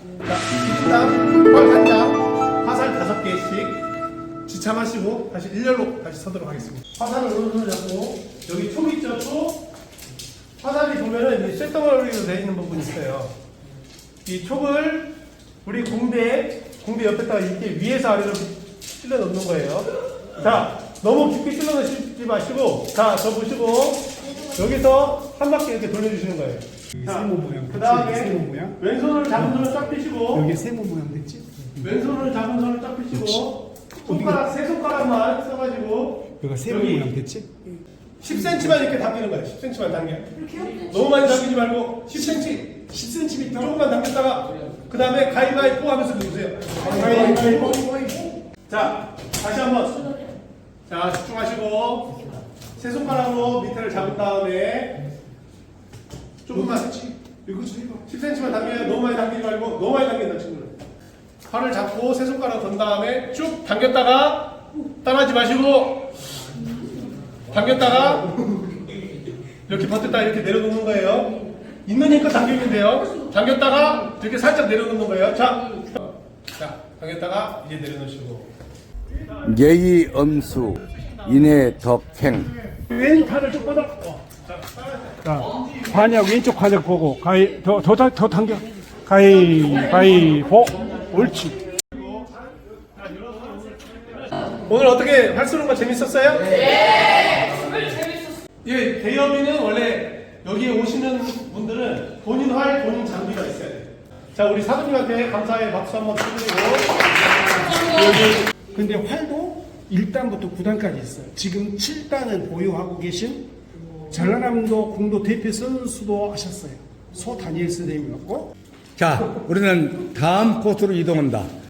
자, 1인당 활 1장, 화살 5개씩 지참하시고 다시 일렬로 다시 서도록 하겠습니다. 화살을 오른손을 잡고 여기 촉 있죠? 촉. 화살이 보면은 이제 쇳덩어리로 되어 있는 부분이 있어요. 이 촉을 우리 공대 옆에다가 이렇게 위에서 아래로 찔러 넣는 거예요. 자, 너무 깊게 찔러 넣지 마시고, 자, 저 보시고 여기서 한 바퀴 이렇게 돌려주시는 거예요. 세모 모양. 그 다음에 세모 모양. 왼손을 잡은 손을 쫙 펴시고, 여기 세모 모양 됐지? 왼손을 잡은 손을 쫙 펴시고, 손가락 세 손가락만 써가지고 여기가 세모 여기 모양 됐지? 10cm만 이렇게 당기는 거예요. 10cm만 당겨. 너무 많이 당기지 말고 10cm, 10cm 조금만 당겼다가 그 다음에 가위바위보 하면서 누르세요. 가위바위보. 자, 다시 한번. 자, 집중하시고 세 손가락으로 밑에를 잡은 다음에 조금만 10cm만 당겨요. 너무 많이 당기지 말고 너무 많이 당긴다 친구들. 팔을 잡고 세 손가락 던 다음에 쭉 당겼다가 따라하지 마시고 당겼다가 이렇게 버텼다가 이렇게 내려놓는 거예요. 있는 힘껏 당기면 돼요. 당겼다가 이렇게 살짝 내려놓는 거예요. 자, 당겼다가 이제 내려놓으시고 예의 엄수 인해 덕행 왼팔을 쭉 뻗어. 자, 관약 왼쪽 관약 보고 더 당겨. 가위바위보. 옳지. 오늘 어떻게 활 쏘는 거 재밌었어요? 네. 예, 대여비는 원래 여기에 오시는 분들은 본인 활, 본인 장비가 있어야 돼요. 자, 우리 사부님한테 감사의 박수 한번 쳐드리고. 근데 활도 1단부터 9단까지 있어요. 지금 7단을 보유하고 계신 전라남도 궁도 대표 선수도 하셨어요. 소 다니엘 선생님이었고. 자 우리는 다음 코스로 이동한다.